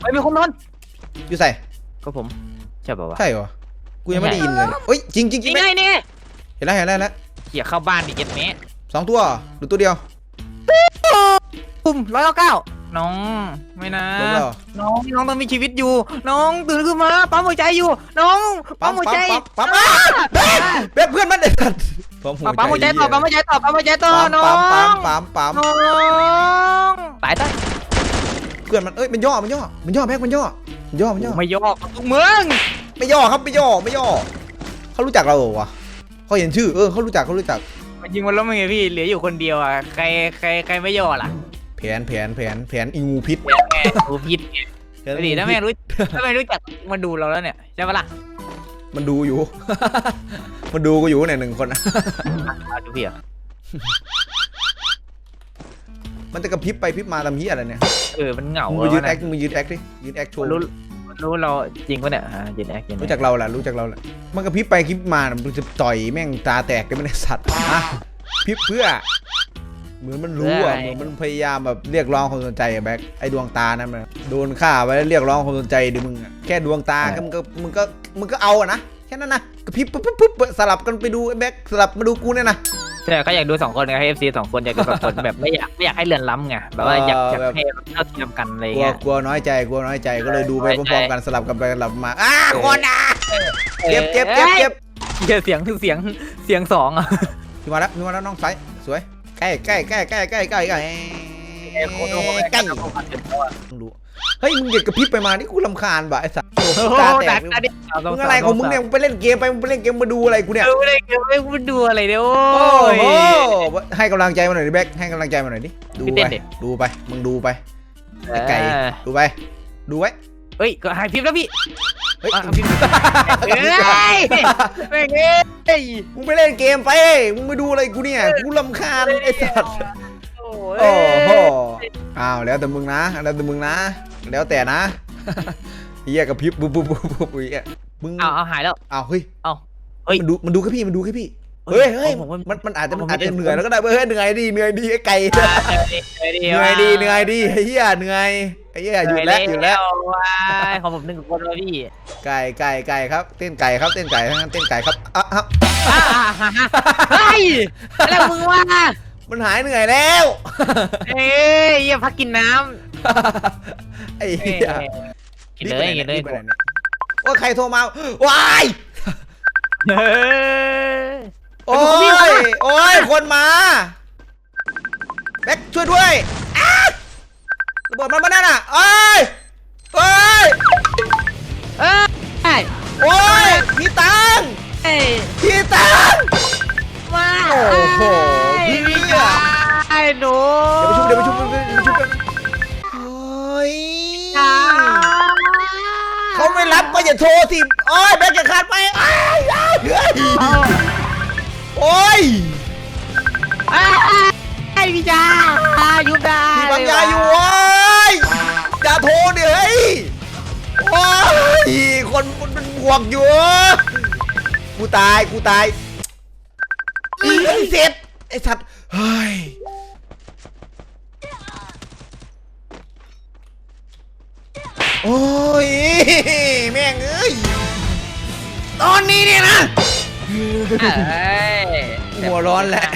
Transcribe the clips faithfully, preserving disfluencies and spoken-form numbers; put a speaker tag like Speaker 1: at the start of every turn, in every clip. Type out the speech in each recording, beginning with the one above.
Speaker 1: ฮ้ยมีคนนอน
Speaker 2: อยู่ใส่
Speaker 1: ก็ผมใช่ป่าวะ
Speaker 2: ใช่เหรอกูยังไม่ได้ยินเลยเฮ้ยจริงจริงจริ
Speaker 1: นี่
Speaker 2: ง
Speaker 1: ไงนี่
Speaker 2: เห็นแล้วเห็นแล้วเห็นแล้ว
Speaker 1: เขี่ยเข้าบ้านดิเจ็ดเมตร
Speaker 2: สองตัวหรือตัวเดียว
Speaker 1: ปุ่มร้อยเก้าเก้าน้องไม่นะ
Speaker 2: ลงแล้ว
Speaker 1: น้องน้องต้องมีชีวิตอยู่ น้องตื่นขึ้นมาปั๊มหัวใจอยู่ น้องปั๊มหัวใจ
Speaker 2: ปั๊มปั๊มเป๊ะเพื่อนมันเด็ดปั๊มหัวใจ
Speaker 1: ปั๊มหัวใจต่อปั๊มหัวใจต่อปั๊มหัวใจต่อน้อง
Speaker 2: ปั๊มปั๊มปั๊มปั๊ม
Speaker 1: น้องตายตาย
Speaker 2: เพื่อนมันเอ้ยมันย่อมันย่อมันย่อแพ็กมันย่อมันย่อมันย่อ
Speaker 1: ไม่ยอมทุกเมือง
Speaker 2: ไม่ย่อครับไม่ย่อไม่ย่อเขารู้จักเราเหรอวะเขาเห็นชื่อเออเขารู้จักเขารู้จัก
Speaker 1: มันยิงมันแล้วมึงไงพี่เหลืออยู่คนเดียวอ่ะใครใครใครไม่ยอมล่ะ
Speaker 2: แผนแผนแผนแผนอีงูพิษ
Speaker 1: แม่กูผิดดีถ้าแม่รู้ถ้าแม่รู้จักมาดูเราแล้วเนี่ยใช่ปะล่ะ
Speaker 2: มันดูอยู่ มันดูกูอยู่เนี่ยหนึ่งคนนะ
Speaker 1: ดูพี่อ่ะ
Speaker 2: มันจะกระพริบไปพริบมาทำเหี้ยอะไรเนี่ย
Speaker 1: เออมันเหงา
Speaker 2: มึงไปยืนแอคมึงยืนแอคดิยืนแอคโชว์
Speaker 1: รู้รู้เราจริงปะเนี่ยอ่ายืนแอคยืน
Speaker 2: รู้จักเราแหละรู้จักเราแหละมันกระพริบไปกระพริบมามันจะต่อยแม่งตาแตกได้ไม่ได้สัตว์อะพริบเพื่อเหมือนมันรู้อ่ะเหมือนมันพยายามแบบเรียกร้องความสนใจอะแบ็คไอ้ดวงตานั้นมันโดนฆ่าไว้แล้วเรียกร้องความสนใจดิมึงอะแค่ดวงตาก็มึงก็มึงก็มึงก็เอาอะนะแค่นั้นนะกระพริบปุ๊บปุ๊บปุ๊บสลับกันไปดูไอ้แบ็คสลับมาดูกูเนี่ยนะ
Speaker 1: ใช่เขาอยากดูสองคนไงให้เอฟซีสองคนอยากดูสองคนแบบไม่อยากไม่อยากให้เลื่อนล้ำไงแบบว่าอยากอยากให้เท่าเทียมกันอะไร
Speaker 2: กลัว
Speaker 1: เงี้ย
Speaker 2: กลัวน้อยใจกลัวน้อยใจก็เลยดูไปพร้อมๆกันสลับกันไปสลับมาอ้าคนอ่ะเจ็บเจ็บเจ็บเจ็บ
Speaker 1: เสียงคือเสียงเสียงสองอ่ะ
Speaker 2: พี่มาแล้วพี่มาแล้วน้องไซสวยใกล้ใกล้ใกล้ใกล้ใกล้ใกล้ใกล้ใกล้ดูเฮ้ยมึงอย่ากระพริบไปมานี่กูรำคาญบ่ะไอ้สัสตาแตกมึงอะไรของมึงเนี่ยมึงไปเล่นเกมไปมึงไปเล่นเกมมาดูอะไรกูเนี่ย
Speaker 1: ไม่ได้ไม่ไม่ดูอะไรเดี๋ยว
Speaker 2: โอ้โหให้กำลังใจมาหน่อยดิแบ็คให้กำลังใจมาหน่อยดิดูไปดูไปมึงดูไปไก่ดูไปดูไว้
Speaker 1: เฮ้ยก็หายพิมพ์แล้วพี่
Speaker 2: เฮ้ย
Speaker 1: พิมพ์เฮ้ยไม่เงี้ย
Speaker 2: มึงไปเล่นเกมไปมึงไปดูอะไรกูเนี่ยกูรำคาญไอ้สัสโอ้โหอ้าวแล้วแต่มึงนะแล้วแต่มึงนะแล้วแต่นะเฮียกับพริบปุ๊บปุ๊บปุ๊บปุ๊บเฮียมึง
Speaker 1: เอาเอาหายแล้ว
Speaker 2: อ้าวเฮ้ย
Speaker 1: เอาเฮ้ย
Speaker 2: มันดูมันดูแค่พี่มันดูแค่พี่เฮ้ยเฮ้ยมันมันอาจจะมันอาจจะเหนื่อยแล้วก็ได้เฮ้ยเหนื่อยดีเหนื่อยดีไอ้ไก่เหนื่อยดีเหนื่อยดีไอ้เหี้ยเหนื่อยไอ้เหี้ยหยุดแล้วหยุดแล้ว
Speaker 1: ของผมหนึ่งคนเลยพี่
Speaker 2: ไก่ไก่ไก่ครับเต้นไก่ครับเต้นไก่ทั้งนั้นเต้นไก่ครับอ่ะฮะ
Speaker 1: เฮ้ยอะไรมึงวะ
Speaker 2: มันหายเหนื่อยแล้ว
Speaker 1: เอ้ยอย่าพักกินน้
Speaker 2: ไอ้
Speaker 1: ำ
Speaker 2: เหี้ย
Speaker 1: กินเลยกินเลย
Speaker 2: ว่าใครโทรมาว้าย
Speaker 1: เฮ้ย
Speaker 2: โอ้ยโอ้ยคนมาแบ็คช่วยด้วยระเบิดมันมาแน่น่ะเอ้ยเอ้ย
Speaker 1: เอ้ย
Speaker 2: โอ้ยพี่ตัง
Speaker 1: เอ้ย
Speaker 2: พี่ตัง
Speaker 1: มา
Speaker 2: โอ้โหพี่
Speaker 1: พี่
Speaker 2: อะ
Speaker 1: ไอ้หนู
Speaker 2: เดี๋ยวไปชุบเดี๋ยวไปชุบเดี๋ยวไปชุบกันเฮ้ยเขาไม่รับก็อย่าโทรสิโอ้ยแบ็คจะขาดไปโอ้ยโอ้ย
Speaker 1: ไอ้พี่จ้ายุบได้
Speaker 2: พี่ปัญญาอยู่โอ้ยอย่าโทรเดี๋ยวเฮ้ยโอ้ยคนมันเป็นบวกอยู่กูตายกูตายเสร็จไอ้สัตว์เฮ้ยโอ้ยแม่งเอ้ยตอนนี้เนี่ยนะหัวร้อนแหละ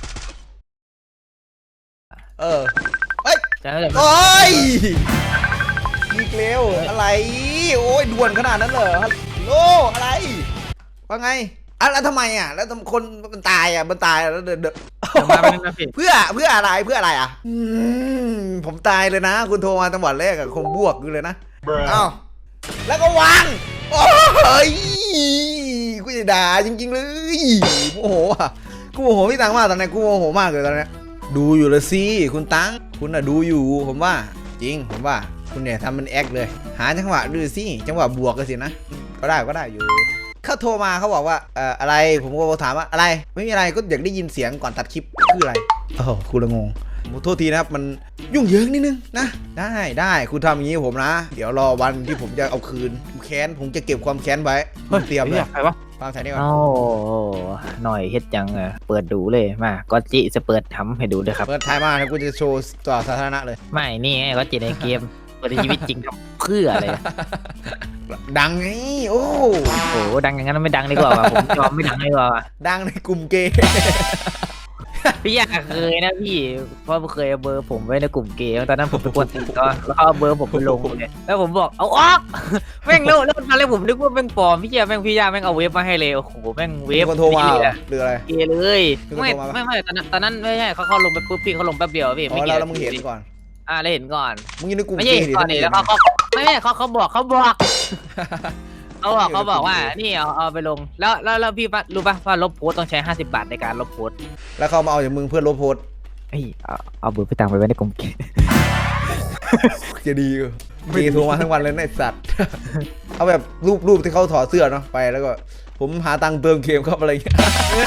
Speaker 2: เออเฮ้ยโอ้ยอีกเร็วอะไรโอ้ยด่วนขนาดนั้นเหรอฮัลโหลอะไรว่าไงอ่ะแล้วทำไมอ่ะแล้วคนมันตายอ่ะมันตายแล้วเดินเดินเพื่อเพื่ออะไรเพื่ออะไรอ่ะผมตายเลยนะคุณโทรมาจังหวัดแรกอะคงบวกอยู่เลยนะอ้าวแล้วก็วางโอ้ยกูจะด่าจริงๆเลยโอ้โหอ่ะกูโมโหพี่ตังมากตอนนี้กูโมโหมากเลยตอนนี้ดูอยู่เลยสิคุณตังคุณอะดูอยู่ผมว่าจริงผมว่าคุณเนี่ยทำมันแอคเลยหาจังหวะดูสิจังหวะบวกกันสินะก็ได้ก็ได้อยู่เขาโทรมาเขาบอกว่าเอ่ออะไรผมก็ถามว่าอะไรไม่มีอะไรก็อยากได้ยินเสียงก่อนตัดคลิปคืออะไรโอ้คุณละงงโทษทีนะครับมันยุ่งเหยิงนิดนึงนะได้ได้คุณทำอย่างนี้ผมนะเดี๋ยวรอวันที่ผมจะเอาคืนแค้นผมจะเก็บความแค้นไว้เตรียมเลยใครวะฟังสายนี้ก่อน
Speaker 1: โอ้หน่อยเฮ็ดจังอ่ะเปิดดูเลยมาก็จิจะเปิดทำให้ดูด้วยครับ
Speaker 2: เปิดท้ายมาแล้วกูจะโชว์ต่อสาธารณะเลย
Speaker 1: ไม่นี่ไงก็จิในเกมเปิดในชีวิตจริงครับเพื่ออะไร
Speaker 2: ดังไงโอ้
Speaker 1: โอ้โหดังอย่างนั้นไม่ดังดีกว่าว่ะผมยอมไม่ดังดีกว่าว่ะ
Speaker 2: ดังในกลุ่มเกย์
Speaker 1: พี่อยากเคยนะพี่เพราะเคยเอาเบอร์ผมไว้ในกลุ่มเกย์ตอนนั้นผมไปกวนติดก็แล้วเขาเอาเบอร์ผมไปลงเลยแล้วผมบอกเอาออกแม่งแล้วแล้วตอนแรกผมนึกว่าแม่งปลอมพี่ยาแม่งพี่ยาแม่งเอาเว็บมาให้เลยโอ้โหแม่งเว็
Speaker 2: มี
Speaker 1: บ
Speaker 2: คนโทรมา
Speaker 1: นี่
Speaker 2: เหร
Speaker 1: เล
Speaker 2: อย หรืออะไร
Speaker 1: เกย์เลย
Speaker 2: มีคน
Speaker 1: ไม่
Speaker 2: โทรมาปะ
Speaker 1: ไม่ไม่ตอนนั้นตอนนั้นไม่ใช่เขาเขาลงไปปุ๊บพี่เขาลงแป๊บเดียวพี่
Speaker 2: อ๋
Speaker 1: ไม่
Speaker 2: อ
Speaker 1: กี่
Speaker 2: แล้วแล้วมึงเห็นก่อน
Speaker 1: อ่าแล้วเห็นก่อน
Speaker 2: มึงอยู่ในกลุ่ม
Speaker 1: ไม่
Speaker 2: เก
Speaker 1: ใช่
Speaker 2: ย์ดิ
Speaker 1: ก่อนนี่แล้วเขาเขาไม่ไม่เขาเขาบอกเขาบอกเขาบอกเขาบอกว่านี่เอาเอาไปลงแล้วแล้วแล้วพี่รู้ป่ะว่าลบโพสต้องใช้ห้าสิบบาทในการลบโพส
Speaker 2: แล้วเขามาเอาจากมึงเพื่อลบโพสต์
Speaker 1: เฮ้ยเอาเอาเบอร์ไปตังไปไว้ในกลุ่มเกย์
Speaker 2: จะดีกว่าเกย์โทรมาทั้งวันเลยนะไอ้สัตว์ เอาแบบรูปรูปที่เขาถอดเสื้อเนาะไปแล้วก็ผมหาตังค์เติมเกมครับอะไรเงี้ย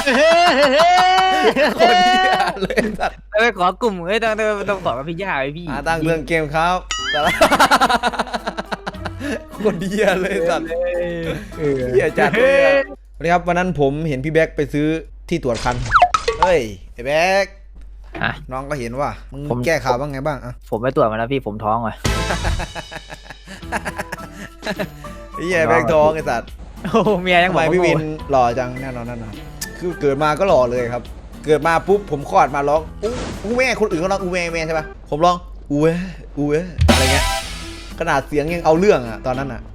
Speaker 2: คนเหี้ยเลยสัตว์
Speaker 1: ไปขอกลุ่มเฮ้ยต้องต้องต้องขอกับพี่ย่าไว้พี่
Speaker 2: หาตังค์เติมเกมครับแต่ละ คนเหี้ยเลยสัตว์
Speaker 1: เออ
Speaker 2: เหี้ยจัดเลยอะสวัสดีครับวันนั้นผมเห็นพี่แบ็คไปซื้อที่ตรวจคันเฮ้ยไอ้แบ็ค
Speaker 1: อ่ะ
Speaker 2: น้องก็เห็นว่ามึง
Speaker 1: ผม
Speaker 2: แก้ข่าวบ้างไงบ้างอะ
Speaker 1: ผมไปตรวจมาแล้วพี่ผมท้องว่ะ
Speaker 2: ไอ้เหี้ยแบ็คท้องไอ้สัตว์
Speaker 1: โอ้เมียยัง
Speaker 2: ทำ
Speaker 1: บอ
Speaker 2: ไม
Speaker 1: ก
Speaker 2: พี่วินหล่อจังแน่นอนแน่นอนคือเกิดมาก็หล่อเลยครับ เกิดมาปุ๊บผมคลอดมาร้องอู้อู้แม่คนอื่นเขาร้องอู้แม่แม่ใช่ปะผมร้องอู้เว้อู้เว้อะไรเงี้ยขนาดเสียงยังเอาเรื่องอะตอนนั้นอะ